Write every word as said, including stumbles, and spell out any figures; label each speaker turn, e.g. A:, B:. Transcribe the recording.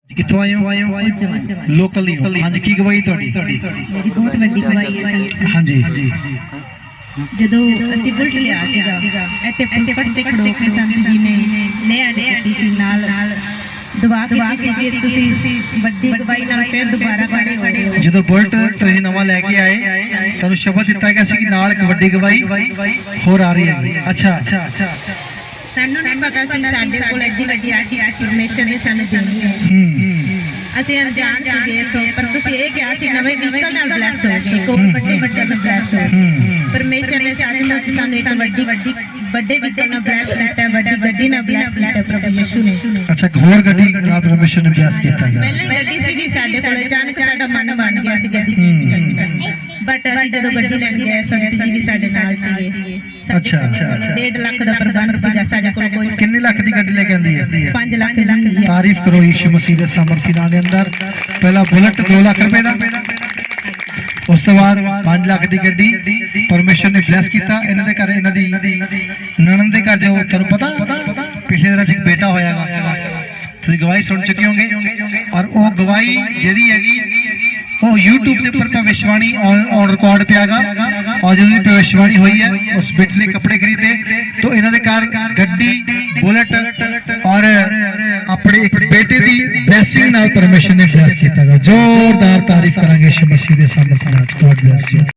A: कित्थों आए हो? लोकल ही हो? हाँ जी, की गवाही तुहाडी?
B: मेरी बहुत वड्डी गवाही है।
A: हाँ जी।
B: ਜਦੋਂ ਅਸੀਂ ਬੁਲਟ ਲਿਆ ਸੀਗਾ ਇੱਥੇ ਪੁਲਪਟ ਤੇ ਖੜੋ ਕੇ ਸੰਤ ਜੀ ਨੇ ਲੈ ਆਂਦੀ ਸੀ ਨਾਲ ਦਵਾ ਕੇ ਕਿ ਤੁਸੀਂ ਵੱਡੀ ਗਵਾਹੀ ਨਾਲ ਫਿਰ ਦੁਬਾਰਾ ਖੜੇ ਹੋ।
A: ਜਦੋਂ ਬੁਲਟ ਤੁਸੀਂ ਨਵਾਂ ਲੈ ਕੇ ਆਏ ਤੁਹਾਨੂੰ ਸ਼ਬਦ ਦਿੱਤਾ ਗਿਆ ਸੀ ਕਿ ਨਾਲ ਇੱਕ ਵੱਡੀ ਗਵਾਹੀ ਹੋਰ ਆ ਰਹੀ ਹੈ। ਅੱਛਾ,
B: ਸਾਨੂੰ ਨਹੀਂ ਪਤਾ ਸੀ ਸਾਡੇ ਕੋਲ ਐਡੀ ਵੱਡੀ ਆਸ਼ੀ ਪਰਮੇਸ਼ਰ ਨੇ ਸਾਨੂੰ ਦੇਣੀ ਹੈ। ਅਸੀਂ ਅਣਜਾਣ ਸੀਗੇ ਤੋਂ ਪਰ ਤੁਸੀਂ ਇਹ ਕਿਹਾ ਸੀ ਨਵੇਂ ਵਹੀਕਲ ਨਾਲ ਬਲੈਸ ਹੋਗੇ, ਇੱਕ ਵੱਡੇ ਵੱਡੇ ਨਾਲ ਬਲੈਸ ਹੋਗੇ। ਪਰਮੇਸ਼ਰ ਨੇ ਸਾਨੂੰ ਸਾਨੂੰ ਇੱਕ ਵੱਡੀ ਵੱਡੀ ਵੱਡੇ ਵਹੀਕਲ ਨਾਲ ਬਲੈਸ ਕੀਤਾ, ਵੱਡੀ ਗੱਡੀ ਨਾਲ ਬਲੈਸ ਕੀਤਾ ਪ੍ਰਭੂ ਯਿਸੂ ਨੇ।
A: ਅੱਛਾ, ਹੋਰ ਗੱਡੀ ਨਾਲ ਪਰਮੇਸ਼ਰ ਨੇ ਬਲੈਸ ਕੀਤਾ।
B: ਪਹਿਲਾਂ ਹੀ ਗੱਡੀ ਸੀਗੀ ਸਾਡੇ ਕੋਲ, ਅਚਾਨਕ ਸਾਡਾ ਮਨ ਬਣ ਗਿਆ ਸੀ ਗੱਡੀ ਦੀ, ਬਟ ਅਸੀਂ ਜਦੋਂ ਗੱਡੀ ਲੈਣ ਗਏ ਸੰਤ ਜੀ ਵੀ ਸਾਡੇ ਨਾਲ ਸੀਗੇ।
A: ਅੱਛਾ,
B: ਡੇਢ ਲੱਖ ਦਾ ਪ੍ਰਬੰਧ ਸੀਗਾ ਸਾਡੇ ਕੋਲ। ਕੋਈ
A: ਕਿੰਨੇ ਲੱਖ ਦੀ ਗੱਡੀ ਲੈ ਕੇ ਆਂਦੀ ਹੈ?
B: ਪੰਜ ਲੱਖ ਦੀ।
A: ਤਾਰੀਫ ਕਰੋ ਯਿਸੂ ਮਸੀਹ ਦੇ ਸਾਮਰਥੀ ਨਾਮ ਦੇ ਅੰਦਰ। ਪਹਿਲਾ ਬੁਲਟ दो ਲੱਖ ਰੁਪਏ ਦਾ, ਉਸ ਤੋਂ ਬਾਅਦ पांच ਲੱਖ ਦੀ ਗੱਡੀ ਪਰਮੇਸ਼ਰ ਨੇ ਬਲੈਸ ਕੀਤਾ। ਇਹਨਾਂ ਦੇ ਘਰ ਇਹਨਾਂ ਦੀ ਨਣਨ ਦੇ ਘਰ ਜੋ ਤੁਹਾਨੂੰ ਪਤਾ ਪਿਛਲੇ ਦਿਨਾਂ ਚ ਇੱਕ ਬੇਟਾ ਹੋਇਆਗਾ, ਤੁਸੀਂ ਗਵਾਹੀ ਸੁਣ ਚੁੱਕੇ ਹੋਗੇ। ਔਰ ਉਹ ਗਵਾਹੀ ਜਿਹੜੀ ਹੈਗੀ ਉਹ यूट्यूब के ऊपर भविष्यवाणी ऑन रिकॉर्ड पे आगा। और जो भी भविष्यवाणी हुई है उस बेटे ने कपड़े खरीदे तो इन्हों के घर गड्डी बुलेट और अपने एक बेटे की ब्लेसिंग नाल परमेश्वर ने ब्लेस किया। जोरदार तारीफ करांगे यीशु मसीह दे सामर्थ्य नाल। God bless you.